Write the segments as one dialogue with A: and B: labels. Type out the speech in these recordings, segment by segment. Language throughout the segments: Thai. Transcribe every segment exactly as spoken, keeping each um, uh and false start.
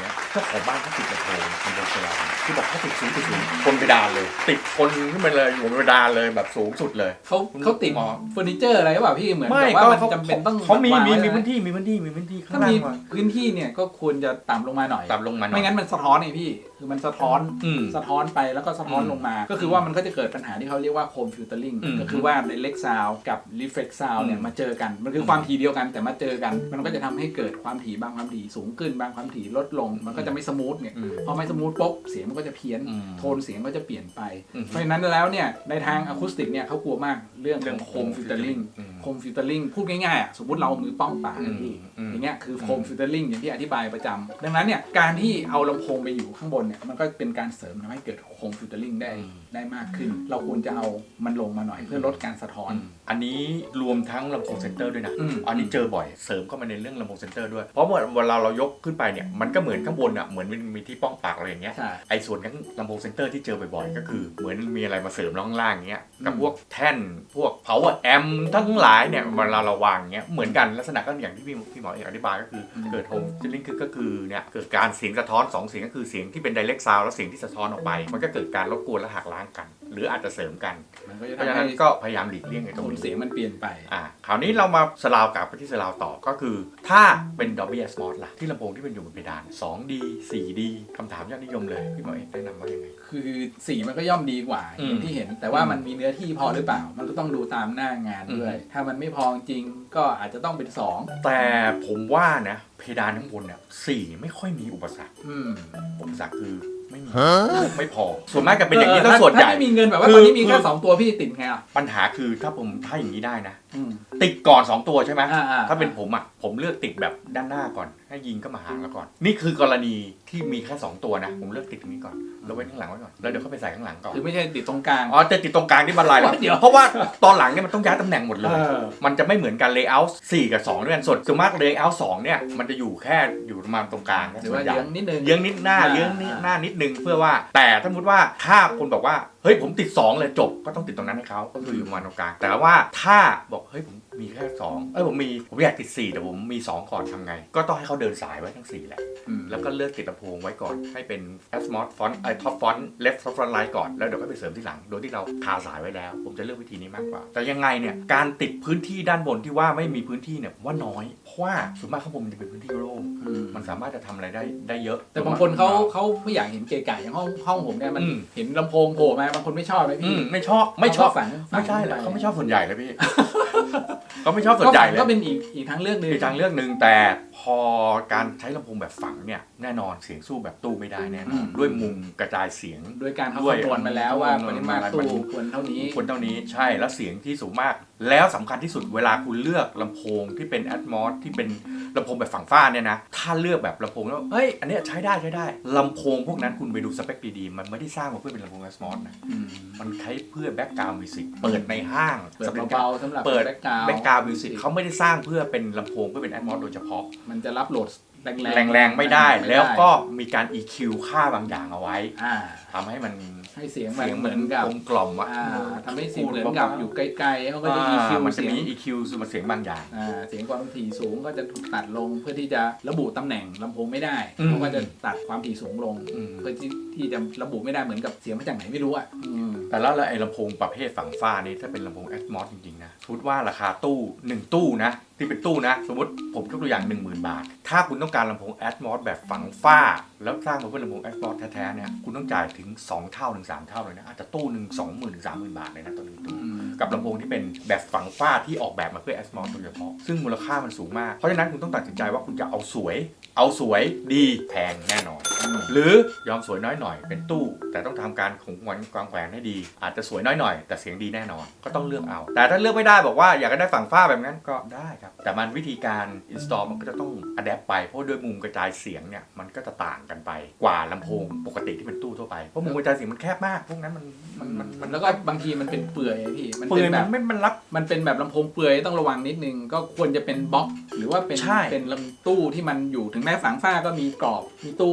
A: เนี่ยเจ้าของบ้านเขาติดลำโพงเป็นโดนเซลล์ที่บอกเขาติดสูงติดสูงบนเพดานเลยติดคนขึ้นไปเลยอยู่บนเพดานเลยแบบสูงสุดเลย
B: เขาเขาติดเฟอร์นิเจอร์อะไรหรือเปล่าพี่เหมือนแบบว่ามันจำเป็นต้อง
A: เขามีมีมีพื้นที่มีพื้นที่มีพื้นที่ข้างล่าง
B: พื้นที่เนี่ยก็ควรจะต่ำลงมาหน่อย
A: ต่ำลงมา
B: ไม่งั้นมันสะท้อนไงพี่คือมันสะท้อนสะท้อนไปแล้วก็สะท้อนลงมาก็คือว่ามันก็จะเกิดปัญหาที่เขาเรียกว่าโคมฟิลเตอร์ลิงก็คือว่าไดเรกซาวด์กับรีเฟล็กซาวด์เนี่ยมาเจอกันมันคือความถี่เดียวกันแต่มาเจอกันมันก็จะทำให้เกิดความถี่บางความถี่สูงขึ้นบางความถี่ลดลงมันก็จะไม่สมูทเนี่ยพอไม่สมูทปุ๊บเสียงมันก็จะเพี้ยนโทนเสียงก็จะเปลี่ยนไปเพราะฉะนั้นแล้วเนี่ยในทางอะคูสติกเนี่ยเขากลัวมากเรื่องของโคมฟิลเตอร์ลิงโคมฟิลเตอร์ลิงพูดง่ายๆอ่ะสมมติเรามือป้องปากพี่อย่างเงี้ยคือโคมฟิลเตอร์ลิงอย่างที่อธิบายประจำดังนั้นเนี่ยการที่เอาลำโพงไปอยู่ข้างบนเนี่ยมันก็เป็นการเสริมทำให้เกิดโคมฟิลเตอร์ลิงได้ได้มากขึ้นเราควรจะเอามันลงมาหน่อยเพื่อลดการสะท้อน
A: อันนี้รวมทั้งลำโพงเซนเตอร์ด้วยนะอันนี้เจอบ่อยเสริมเข้ามาในเรื่องลำโพงเซนเตอร์ด้วยเพราะเวลาเรายกขึ้นไปเนี่ยมันก็เหมือนข้างบนอ่ะเหมือนมันมีที่ป้องปากอะไรอย่างเงี้ยไอ้ส่วนของลำโพงเซนเตอร์ที่เจอบ่อยๆก็คือเหมือนมีอะไรมาเสริมล่างๆเงี้ยกับพวกแท่นพวก power amp ทั้งหลายเนี่ยเวลาเราวางเงี้ยเหมือนกันลักษณะก็อย่างที่พี่พี่หมอเอกอธิบายก็คือเกิดโฮมฟิลลิ่งคือก็คือเนี่ยเกิดการเสียงสะท้อนสองเสียงก็คือเสียงที่เป็น direct sound แล้วเสียงที่สะท้อนออกไปมันก็เกิดการรบกวนและหักล้างกันหรืออาจจะเสริมกันเพราะฉะนั้นก็พยายามหลีกเลี่ยงไอ้ตรงนี้
B: เสียงมันเปลี่ยนไป
A: อ่าคราวนี้เรามาสลาวกลับไปที่สลาวต่อก็คือถ้าเป็น Dolby Atmos ล่ะที่ลำโพงที่เป็นอยู่บนเพดาน สองดี สี่ดี คำถามยอดนิยมเลยพี่หมอเอกแนะนำว่ายังไง
B: คือสี่มันก็ย่อมดีกว่าอย่างที่เห็นแต่ว่ามันมีเนื้อที่พอหรือเปล่ามันก็ต้องดูตามหน้างานด้วยถ้ามันไม่พอจริงก็อาจจะต้องเป็นสอง
A: แต่ผมว่านะเพดานข้างบนเนี่ยสี่ไม่ค่อยมีอุปสรรคอุปสรรคคือไม่มีไม่พอส่วนมากจะเป็นอย่างนี้ถ้าส่วนใหญ่
B: ถ้าไม่มีเงินแบบว่าตอนนี้มีแค่สองตัวพี่ติดไงอ่ะ
A: ปัญหาคือถ้าผมถ้าอย่างนี้ได้นะติดก่อนสองตัวใช่ไหมถ้าเป็นผมอ่ะผมเลือกติดแบบด้านหน้าก่อนให้ยิงก็มาหางแล้วก่อนนี่คือกรณีที่มีแค่สองตัวนะผมเลือกติดตรงนี้ก่อนแล้วไว้ข้างหลังไว้ก่อนแล้วเดี๋ยวเขาไปใส่ข้างหลังก่อน
B: คือไม่ใช่ติดตรงกลาง
A: อ๋อจะติดตรงกลางที่บันไลแล้วเพราะว่าตอนหลังเนี่ยมันต้องย้ายตำแหน่งหมดเลยมันจะไม่เหมือนกันเลเยอร์สี่กับสองด้วยกันส่วนส่วนมากเลเยอร์สองเนี่ยมันจะอยู่แค่อยู่ประมาณตรงกลาง
B: หรือว่าเยื้องนิดนึง
A: เยื้องนิดหน้าเยื้องนิดหน้านิดนึงเพื่อว่าแต่ถ้าสมมติว่าถ้าคนบอกว่าเฮ้ยผมติดสองเลยจบก็ต้องติดตรงนั้นให้เขาก็คืออยู่ประมาณตรงกลางแต่ว่าถ้าบอกเฮ้ยผมมีแค่สองเอ้ยผมมีผมอยากติดสี่แต่ผมมีสองก่อนทำไงก็ต้องให้เขาเดินสายไว้ทั้งสี่แหละแล้วก็เลือกติดลำโพงไว้ก่อนให้เป็น Atmos font ไอ้ top font left top font right ก่อนแล้วเดี๋ยวก็ไปเสริมที่หลังโดยที่เราคาสายไว้แล้วผมจะเลือกวิธีนี้มากกว่าแต่ยังไงเนี่ยการติดพื้นที่ด้านบนที่ว่าไม่มีพื้นที่เนี่ยว่าน้อยเพราะว่าส่วนมากข้างบนมันจะเป็นพื้นที่โล่งมันสามารถจะทำอะไรได้ได้เยอะ
B: แต่บางคนเขาเขาไม่อยากเห็นเก๋ๆอย่างห้องห้องผมเนี่ยมันเห็นลำโพงโผล่มาบางคนไม่ชอบไหมพี่
A: ไม่ชอบไม่ชอบ
B: ฝัง
A: ไม่ใช่เลยเขาไม่ชอบส่วนใหญ่เลยพี่เขาไม่ชอบส่วนใหญ่เลย
B: ก็เป็นอีกอีกทางเลือกนึง
A: อีกทางเลือกนึงแต่พอการใช้ลำโพงแบบฝังเนี่ยแน่นอนเสียงสู้แบบตู้ไม่ได้แน่นอนด้วยมุมกระจายเสียง
B: ด้วยการเขาคำนวณมาแล้วว่าปริมาณตู้ควรเท่านี้
A: ควรเท่านี้ใช่แล้วเสียงที่สูงมากแล้วสำคัญที่สุดเวลาคุณเลือกลำโพงที่เป็น Atmos ที่เป็นลำโพงแบบฝังฝ้าเนี่ยนะถ้าเลือกแบบลำโพงแล้วเฮ้ยอันนี้ใช้ได้ใช้ได้ลำโพงพวกนั้นคุณไปดูสเปคดีๆมันไม่ได้สร้างมาเพื่อเป็นลำโพง Atmos นะมันใช้เพื่อแบ็กกราวด์มิวสิกเปิดในห้าง
B: เปิดเบาๆสำหรับ
A: เปิดแบ็กกราวด์มิวสิกเขาไม่ได้สร้างเพื่อเป็นลำโพงเพื่อเป็น Atmos โดยเฉพาะ
B: มันจะรับโหลด
A: แรงๆไม่ได้แล้วก็มีการ อี คิว ค่าบางอย่างเอาไว้ทำให้มัน
B: ให้เสียงเหมือนกับ
A: กล่อมอ่ะ
B: ทำให้เสียงเหมือนกับอยู่ไกลๆเขาก็จะ อี คิว
A: มันจะมี
B: เสียง
A: อี คิว คือมันเสียงบางอย่าง
B: เสียงความถี่สูงก็จะถูกตัดลงเพื่อที่จะระบุตำแหน่งลำโพงไม่ได้เพราะว่าจะตัดความถี่สูงลงเพื่อที่จะระบุไม่ได้เหมือนกับเสียงมาจากไหนไม่รู้อ่ะ
A: แต่แล้วไอ้ลำโพงประเภทฝังฝ้านี้ถ้าเป็นลำโพง Atmos จริงๆนะพูดว่าราคาตู้หนึ่งตู้นะที่เป็นตู้นะสมมติผมยกตัวอย่าง หนึ่งหมื่น บาทถ้าคุณต้องการลำโพง Atmos แบบฝังฝ้าแล้วสร้างมาเพื่อลำโพง Atmos แท้ๆเนี่ยคุณต้องจ่ายถึงสองเท่าถึงสามเท่าเลยนะอาจจะตู้หนึ่ง สองหมื่น ถึง สามหมื่น บาทเลยนะตัวนึงตู้กับลำโพงที่เป็นแบบฝังฝ้าที่ออกแบบมาเพื่อ Atmos โดยเฉพาะซึ่งมูลค่ามันสูงมากเพราะฉะนั้นคุณต้องตัดสินใจว่าคุณจะเอาสวยเอาสวยดีแพงแน่นอนหรือยอมสวยน้อยหน่อยเป็นตู้แต่ต้องทำการขงวันกวางแขวนให้ดีอาจจะสวยน้อยหน่อยแต่เสียงดีแน่นอนก็ต้องเลือกเอาแต่ถ้าเลือกไม่ได้บอกว่าอยากได้ฝังฝ้าแบบนั้นก็ได้ครับแต่มันวิธีการ install มันก็จะต้อง adapt ไปเพราะด้วยมุมกระจายเสียงเนี่ยมันก็จะต่างกันไปกว่าลำโพงปกติที่เป็นตู้ทั่วไปเพราะมุมกระจายเสียงมันแคบมากพวกนั้นมันมัน
B: มันแล้วก็บางทีมันเป็นเปื่อยพี่
A: มันเป็นแบบไม่มันรับ
B: มันเป็นแบบลำโพงเปื่อยต้องระวังนิดนึงก็ควรจะเป็นบล็อกหรือว่าเป็นเป็นลำตู้ที่มันอยู่ถึงแม้ฝังฝ้าก็มีกรอบมีตู้อยู่ข้าง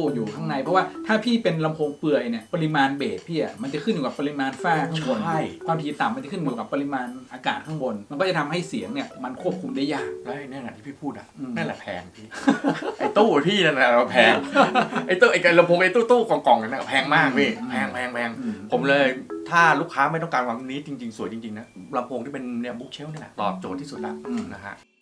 B: างในเพราะว่าถ้าพี่เป็นลำโพงเปลือยเนี่ยปริมาณเบสพี่อ่ะมันจะขึ้นอยู่กับปริมาณฝ้าข้างบน
A: ใช่
B: ความถี่ต่ำมันจะขึ้นอยู่กับปริมาณอากาศข้างบน มันก็จะทำให้เสียงเนี่ยมันควบคุมได้ยาก
A: แล้วไอ้นั่นแหละที่พี่พูดอ่ะ
B: อืม
A: นั่นแหละแพงพี่ ไอ้ตู้พี่นั่นแหละแพงไอ้ตู้ไอ้ลำโพงไอ้ตู้ตู้กล่องๆนั่นนะแพงมากพี่แพงแพงแพง
B: อืม
A: ผมเลยถ้าลูกค้าไม่ต้องการความนี้จริงๆ สวยจริงๆนะลำโพงที่เป็นเนี่ยบุ๊กเชลนี่แหละตอบโจทย์ที่สุดละนะฮะ